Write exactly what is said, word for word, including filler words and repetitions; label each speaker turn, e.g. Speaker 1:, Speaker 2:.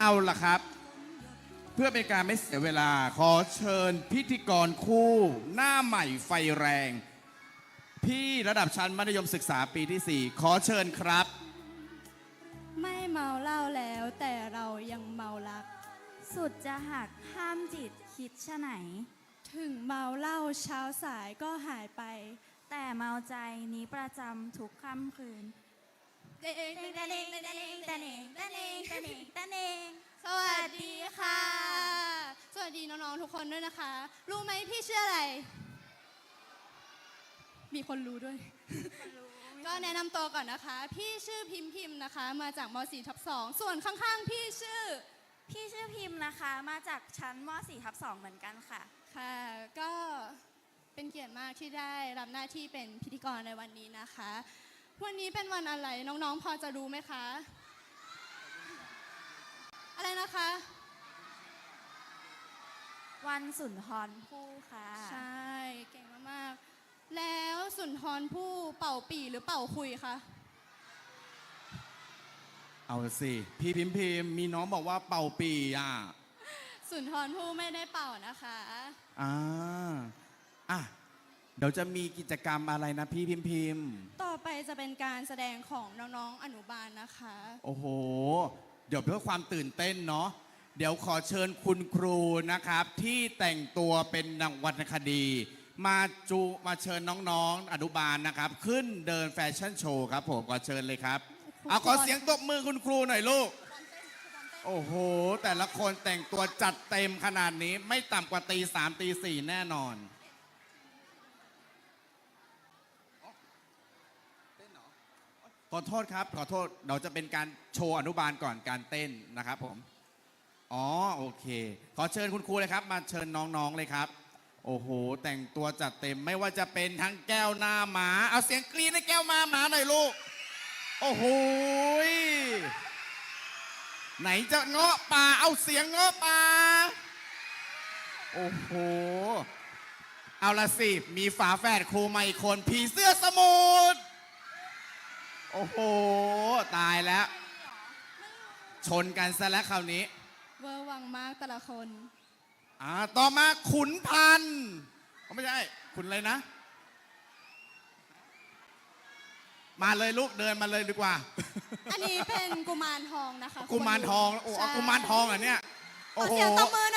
Speaker 1: เอาล่ะครับ เพื่อเป็นการไม่เสียเวลาขอเชิญพิธีกรคู่หน้าใหม่ไฟแรง พี่ระดับชั้นมัธยมศึกษาปีที่ สี่ ขอเชิญครับ
Speaker 2: ไม่เมาเหล้าแล้วแต่เรายังเมารัก
Speaker 3: สุดจะหักห้ามจิตคิดชะไหน
Speaker 2: ถึงเมาเหล้าเช้าสายก็หายไป
Speaker 3: แต่เมาใจนี้ประจำทุกค่ำคืน
Speaker 2: เด้ง
Speaker 3: ตะเนงตะเนงตะเนงตะเนงตะเนงตะเนง
Speaker 2: สวัสดีค่ะ สวัสดีน้องๆทุกคนด้วยนะคะ รู้ไหมพี่ชื่ออะไร มีคนรู้ด้วย ก็แนะนำตัวก่อนนะคะ พี่ชื่อพิมพิมนะคะ มาจากม .สี่ ทับสองส่วนข้างๆ พี่ชื่อ
Speaker 3: พี่ชื่อพิมพ์นะคะ มาจากชั้นม .สี่ ทับสองเหมือนกันค่ะ
Speaker 2: ค่ะ ก็เป็นเกียรติมากที่ได้รับหน้าที่เป็นพิธีกรในวันนี้นะคะ วันนี้เป็นวันอะไรน้องๆ พอจะรู้ไหมคะ อะไรนะคะ
Speaker 3: วันสุนทรภู่ค่ะ
Speaker 2: ใช่ เก่งมากๆ แล้วสุนทรภู่เป่าปี่หรือเป่าคุยคะ
Speaker 1: เอาสิ พี่พิมพิมมีน้องบอกว่าเป่าปีอ่ะ
Speaker 2: สุนทรภู่ไม่ได้เป่านะคะ
Speaker 1: อ่าอ่ะเดี๋ยวจะมีกิจกรรมอะไรนะพี่พิมพิม
Speaker 2: ต่อไปจะเป็นการแสดงของน้องๆ อนุบาลนะคะ
Speaker 1: โอ้โห เดี๋ยวเพื่อความตื่นเต้นเนาะ เดี๋ยวขอเชิญคุณครูนะครับ ที่แต่งตัวเป็นนางวรรณคดี มาจูมาเชิญน้องๆ อนุบาลนะครับ ขึ้นเดินแฟชั่นโชว์ครับผมขอเชิญเลยครับ เอาขอเสียงตบมือคุณครูหน่อยลูก โอ้โห แต่ละคนแต่งตัวจัดเต็มขนาดนี้ไม่ต่ำกว่าตีสามตีสี่แน่นอน ขอโทษครับ ขอโทษเราจะเป็นการโชว์อนุบาลก่อนการเต้นนะครับผม อ๋อโอเค ขอเชิญคุณครูเลยครับ มาเชิญน้องๆเลยครับ โอ้โห แต่งตัวจัดเต็มไม่ว่าจะเป็นทั้งแก้วหน้าหมา เอาเสียงกรี๊ดให้แก้วมาหมาหน่อยลูก โอ้โหยไหนจะเงาะป่าเอาเสียงเงาะป่าโอ้โห เอาละสิ มีฝาแฝดครูมาอีกคนผีเสื้อสมุทรโอ้โห ตายแล้ว ชนกันซะแล้วคราวนี้
Speaker 2: เวอร์วังมากแต่ละคน
Speaker 1: อ่าต่อมาขุนพันธ์เขาไม่ใช่ ขุนอะไรนะ มาเลยลูกเดินมาเลยดีกว่า
Speaker 2: อันนี้เป็นกุมารทองนะคะ
Speaker 1: กุมารทองโอ้เอากุมารทองเหรอเนี่ย โอ้
Speaker 2: ขอ
Speaker 1: โห
Speaker 2: เสียงตบมือ